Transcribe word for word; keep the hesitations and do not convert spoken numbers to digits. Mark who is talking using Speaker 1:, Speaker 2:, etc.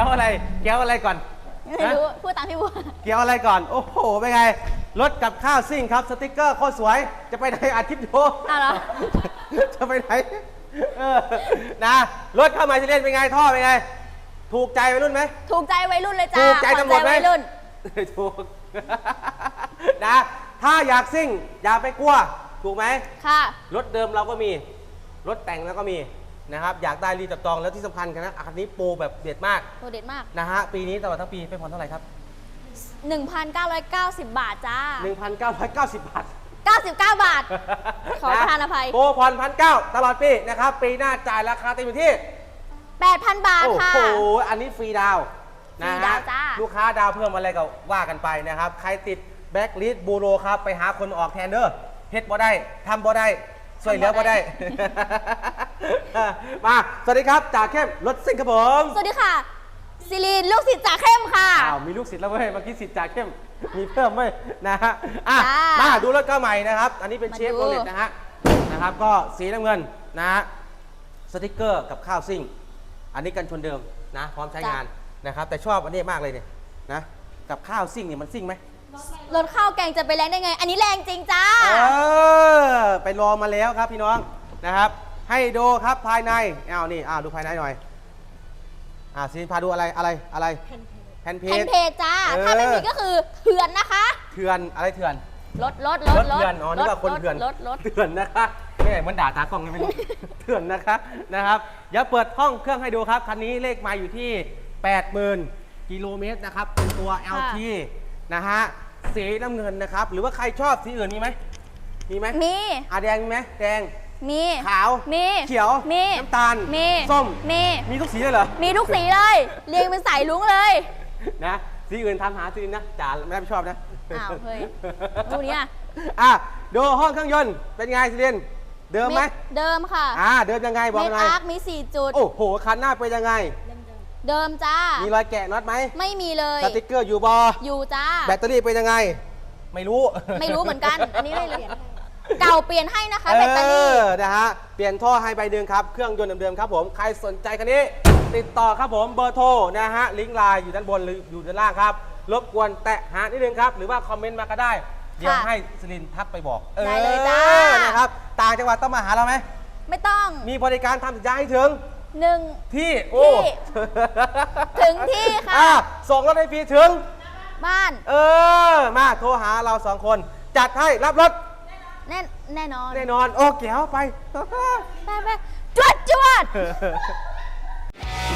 Speaker 1: อะไรเกี๊ยวอะไรก่อน
Speaker 2: ไม่รู้พูดตามพี่บัว
Speaker 1: เกี๊ยวอะไรก่อนโอ้โหเป็นไงรถกับข้าวซิ่งครับสติ๊กเกอร์โคตรสวยจะไปไหนอาทิตย์โย
Speaker 2: อ้าวเหรอ
Speaker 1: จะไปไหนเออนะรถเข้ามาจะเล่นเป็นไงท่อเป็นไงถูกใจวัยรุ่นไหม
Speaker 2: ถูกใจวัยรุ่นเลยจ้า
Speaker 1: ถูกใจตำรวจไหม
Speaker 2: วัยรุ่น
Speaker 1: ถูกนะถ้าอยากซิ่งอย่าไปกลัวถูกไหม
Speaker 2: ค่ะ
Speaker 1: รถเดิมเราก็มีรถแต่งแล้วก็มีนะครับอยากได้รีบจับจองแล้วที่สำคัญกันนะอันนี้โปรแบบเด็ดมาก
Speaker 2: โดดเด็ดมาก
Speaker 1: นะฮะปีนี้ตลอดทั้งปีไปผ่อนเท่าไหร่ครับ
Speaker 2: หนึ่งพันเก้าร้อยเก้าสิบ บาทจ้า
Speaker 1: หนึ่งพันเก้าร้อยเก้าสิบบาท
Speaker 2: เก้าสิบเก้า บาท ขอประทานอภัย
Speaker 1: โปรผ่อนพันเก้าตลอดปีนะครับปีหน้าจ่ายราคาเต็มอยู่ที่
Speaker 2: แปดพัน บาท
Speaker 1: โอ้
Speaker 2: ค่ะ
Speaker 1: โหอันนี้ฟรีดาวน์นะ
Speaker 2: ฟรีดา
Speaker 1: ฮะ
Speaker 2: วจ้า
Speaker 1: ลูกค้าดาวเพิ่มอะไรก็ว่ากันไปนะครับใครติดแบ็กลิสต์บูโรครับไปหาคนออกแทนเด้อเฮ็ดบ่ได้ทำบ่ได้ช่วยเหลือบ่ได้ มาสวัสดีครับจ่าเข้มรถซิ่งครับผม
Speaker 2: สวัสดีค่ะซิลีนลูกศิษย์จ่าเข้มค่ะ
Speaker 1: อ้าวมีลูกศิษย์แล้วเว้ยเมื่อกี้ศิษย์จ่าเข้มมีเพิ่มเว้ยนะฮะอ่ะ
Speaker 2: จ้า
Speaker 1: มาดูรถเก้าใหม่นะครับอันนี้เป็น
Speaker 2: มา
Speaker 1: เชฟ
Speaker 2: ดู
Speaker 1: โรเลตนะฮะนะครับก็สีน้ำเงินนะฮะสติ๊กเกอร์กับข้าวซิ่งอันนี้กันชนเดิมนะพร้อมใช้งานนะครับแต่ชอบอันนี้มากเลยเนี่ยนะกับข้าวซิ่งเนี่ยมันซิ่งไหม
Speaker 2: รถข้าวแกงจะไปแรงได้ไง อันนี้แรงจริงจ้า
Speaker 1: เออไปลองมาแล้วครับพี่น้องนะครับให้ดูครับภายในอ้าวนี่อ้าวดูภายในหน่อยอ่าซีนพาดูอะไรอะไรอะไรแผ่นเพ
Speaker 2: แผ่
Speaker 1: จ
Speaker 2: นเพจจ้า
Speaker 1: เออ
Speaker 2: ถ้าไม่มีก็คือเถื่อนนะคะ
Speaker 1: เถื่อนอะไรเถื่อน
Speaker 2: รถรถรถ
Speaker 1: รถเถื่อนอ๋อนึกว่าคนเถื่อน
Speaker 2: รถรถ
Speaker 1: เถื่อนนะคะไม่ใช่มันด่าตากล้องเลยไม่รู้ เถื่อนนะคะนะครับเดี๋ยวเปิดห้องเครื่องให้ดูครับคันนี้เลขมาอยู่ที่ แปดหมื่น กิโลเมตรนะครับเป็นตัว แอล ที นะฮะสีน้ำเงินนะครับหรือว่าใครชอบสีอื่นมีไหมมีไหม
Speaker 2: มี
Speaker 1: อ่ะแดงมีไหมแดง
Speaker 2: มี
Speaker 1: ขาว
Speaker 2: มี
Speaker 1: เขียว
Speaker 2: มี
Speaker 1: น้ำตาล
Speaker 2: มี
Speaker 1: ส้ม
Speaker 2: มี
Speaker 1: มีทุกสีเลยเหรอ
Speaker 2: มีทุกสีเลย เรียงเป็นสายลุงเลย
Speaker 1: นะสีอื่นทำหาสีอื่นนะจ๋าไม่รับผิดชอบนะ
Speaker 2: อ้าวเฮ้ยดูเนี่ย
Speaker 1: อ่ะดูห้องเครื่องยนต์เป็นไงสิเรียนเดิมไหม
Speaker 2: เดิมค่ะ
Speaker 1: อ่าเดิมยังไงบอก
Speaker 2: เม
Speaker 1: ห
Speaker 2: ค
Speaker 1: น่อย
Speaker 2: อาร์คมีสี่จุด
Speaker 1: โอ้โหคันหน้าเป็นยังไง
Speaker 2: เดิมจ้า
Speaker 1: มีรอยแกะน็อตไหม
Speaker 2: ไม่มีเลย
Speaker 1: สติ๊กเกอร์อยู่บอ
Speaker 2: อยู่จ้า
Speaker 1: แบตเตอรี่เป็นยังไง ไม่รู้
Speaker 2: ไม่รู้เหมือนกัน อันนี้ไม่รู้เก่าเปลี่ยนให้นะคะแบตเตอรี่
Speaker 1: เออนะฮะเปลี่ยนท่อให้ใบเดิมครับเครื่องยนต์เดิมๆครับผมใครสนใจคันนี้ติดต่อครับผมเบอร์โทรนะฮะลิงก์ไลน์อยู่ด้านบนหรืออยู่ด้านล่างครับรบกวนแตะหานิดนึงครับหรือว่าคอมเมนต์มาก็ได้เดี๋ยว
Speaker 2: ค่ะ
Speaker 1: ให้สลินทักไปบอก
Speaker 2: ได้เลยจ้า
Speaker 1: ออนะครับต่างจังหวัดต้องมาหาเราไหม
Speaker 2: ไม่ต้อง
Speaker 1: มีบริการทำสัญญาให้ถึง
Speaker 2: หนึ่ง
Speaker 1: ที่โอ้
Speaker 2: ที่ถึงที่ค่ะ
Speaker 1: อ่ส่งรถให้ฟรีถึง
Speaker 2: บ้าน
Speaker 1: เออมาโทรหาเราสองคนจัดให้รับรถ
Speaker 2: แน่แน่นอน
Speaker 1: แน่นอนโอ้เก๋วไป
Speaker 2: ไปไปจวดจวด